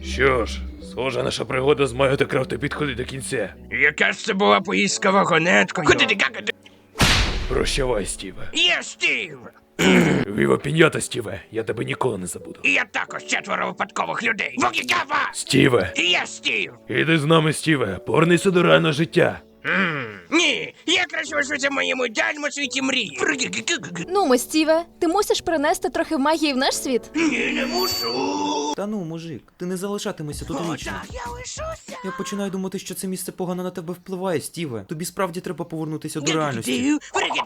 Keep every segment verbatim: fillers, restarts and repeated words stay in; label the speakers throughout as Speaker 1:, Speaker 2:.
Speaker 1: Що ж, схоже, наша пригода з Майо та Крафта підходить до кінця.
Speaker 2: Яка ж це була поїздка вагонеткою? Куди ти какати?
Speaker 1: Прощавай, Стіве.
Speaker 2: Є, Стів!
Speaker 1: Віва пінята, Стіве, я тебе ніколи не забуду.
Speaker 2: І я також четверо випадкових людей. Вогігава!
Speaker 1: Стіве,
Speaker 2: І я, Стів!
Speaker 1: іди з нами, Стіве, повернися до реального життя.
Speaker 2: М, Ні, я краще лишуся в моєму ідеальному світі мрії.
Speaker 3: Ну, ми, Стіве, ти мусиш принести трохи магії в наш світ.
Speaker 2: Ні, не мушу.
Speaker 4: Та ну, мужик, ти не залишатимешся тут
Speaker 2: О,
Speaker 4: вічно.
Speaker 2: так, я лишуся.
Speaker 4: Я починаю думати, що це місце погано на тебе впливає, Стіве. Тобі справді треба повернутися до реальності.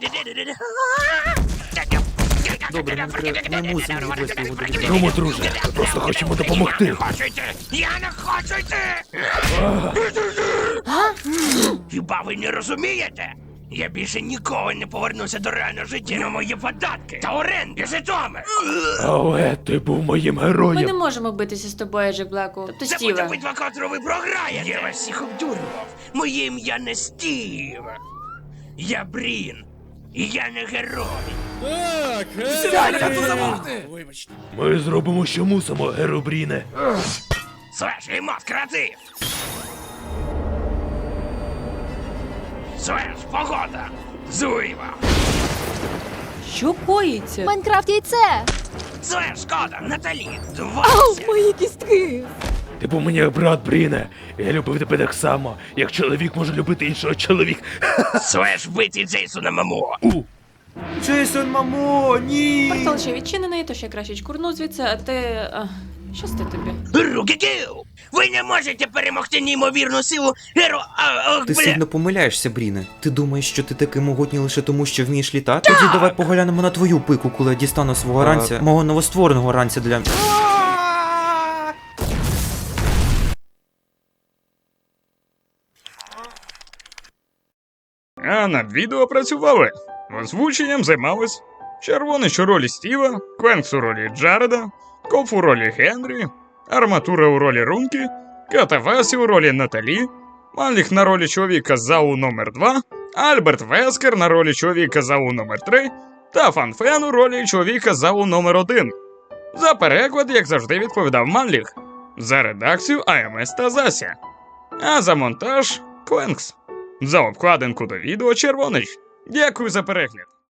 Speaker 4: Добре, ми, тре- ми мусимо відвести його до лікаря.
Speaker 1: Ромо, друже, ми просто хочемо допомогти.
Speaker 2: Я не хочу йти! Я не хочу йти! Хіба ви не розумієте? Я більше ніколи не повернуся до реального життя на мої податки та оренди Житомир!
Speaker 1: Але ти був моїм
Speaker 5: Ми не
Speaker 1: героєм.
Speaker 5: можемо битися з тобою, Джек Блеку. Тобто
Speaker 2: Це буде
Speaker 5: Стіве.
Speaker 2: битва, котру ви програєте! Я вас всіх обдурював! Моє ім'я не Стів! Я Брін! І я не герой!
Speaker 1: Ми зробимо, що мусимо, Геробріне.
Speaker 2: Слеш, Імот, креатив! Слеш, погода! Зуєва!
Speaker 5: Що коїться?
Speaker 3: Майнкрафт яйце!
Speaker 2: Слеш, шкода, Наталі!
Speaker 3: Ау,
Speaker 2: Двадцять!
Speaker 3: мої кістки!
Speaker 1: Ти був мені як брат, Бріне. Я любив тебе так само, як чоловік може любити іншого чоловіка.
Speaker 2: Слеш, вбитий Джейсона Мамо!
Speaker 4: Джейсон, мамо, ні!
Speaker 5: Портал ще відчинений, тож я краще чкурну звідси, а ти... А, щасти тобі.
Speaker 2: Руки-кіл! Ви не можете перемогти неймовірну силу геро... А, ох,
Speaker 4: Ти
Speaker 2: бля!
Speaker 4: сильно помиляєшся, Бріне. Ти думаєш, що ти такий могутній лише тому, що вмієш літати? Тоді давай поглянемо на твою пику, коли я дістану свого ранця, мого новоствореного ранця для...
Speaker 6: А над відео працювали. Озвученням займались Червонич у ролі Стіва, Квенкс у ролі Джареда, Коф у ролі Генрі, Арматура у ролі Рункі, Катавасі у ролі Наталі, Маліх на ролі чоловіка Зау номер два, Альберт Вескер на ролі чоловіка Зау номер три та Фанфен у ролі чоловіка Зау номер один. За переклад, як завжди, відповідав Манліх. За редакцію АМС та Зася. А за монтаж Квенкс. За обкладинку до відео Червонич. Дякую за перегляд.